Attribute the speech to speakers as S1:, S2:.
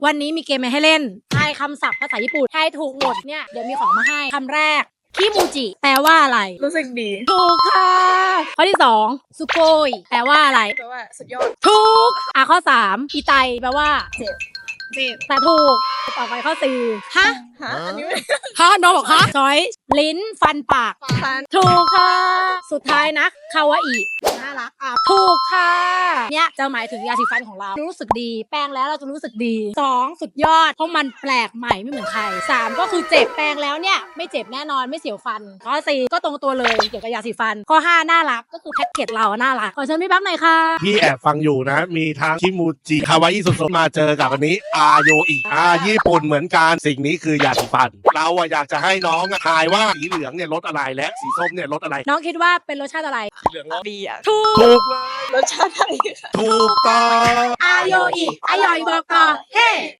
S1: วันนี้มีเกมมาให้เล่นทายคำศัพท์ภาษาญี่ปุ่นทายถูกหมดเนี่ยเดี๋ยวมีของมาให้คำแรกคิมูจิแปลว่าอะไร
S2: รู้สึกดี
S1: ถูกค่ะข้อที่2สุโกยแปลว่าอะไร
S2: แปลว่าสุดยอด
S1: ถูกข้อ3อีไตแปลว่า
S2: เจ็บ
S1: แต่ถูกต่อไปข้อ4ฮะ
S2: อันนี้ไม่
S1: ฮะน้องบอกฮะจอยลิ้นฟันปาก
S2: ฟัน
S1: ถูกค่ะสุดท้ายนะคาวาอิ
S2: น่ารัก
S1: ถูกค่ะเนี่ยจะหมายถึงยาสีฟันของเรารู้สึกดีแปรงแล้วเราจะรู้สึกดี2สุดยอดเพราะมันแปลกใหม่ไม่เหมือนใคร3ก็คือเจ็บแปรงแล้วเนี่ยไม่เจ็บแน่นอนไม่เสียวฟันข้อ4ก็ตรงตัวเลยเกี่ยวกับยาสีฟันข้อ5น่ารักก็คือแพ็กเกจเราน่ารักขอเชิญพี่แป๊บหน่อยค่ะ
S3: พี่แอบฟังอยู่นะมีทั้งคิมูจิคาวาอิสุดๆมาเจอกับอันนี้อาโยอิญี่ปุ่นเหมือนกันสิ่งนี้คือยาสีฟันเราอยากจะให้น้องทายว่าสีเหลืองเนี่ยรสอะไรและสีส้มเนี่ยรสอะไร
S1: น้องคิดว่าเป็นรสชาติอะไร
S3: สีเหลืองรส
S2: ดี
S1: ถูก
S3: เลย
S2: รสชาติอะไร
S3: ถูกต้อง
S1: อาโยอิอายอยบอกต่อเฮ้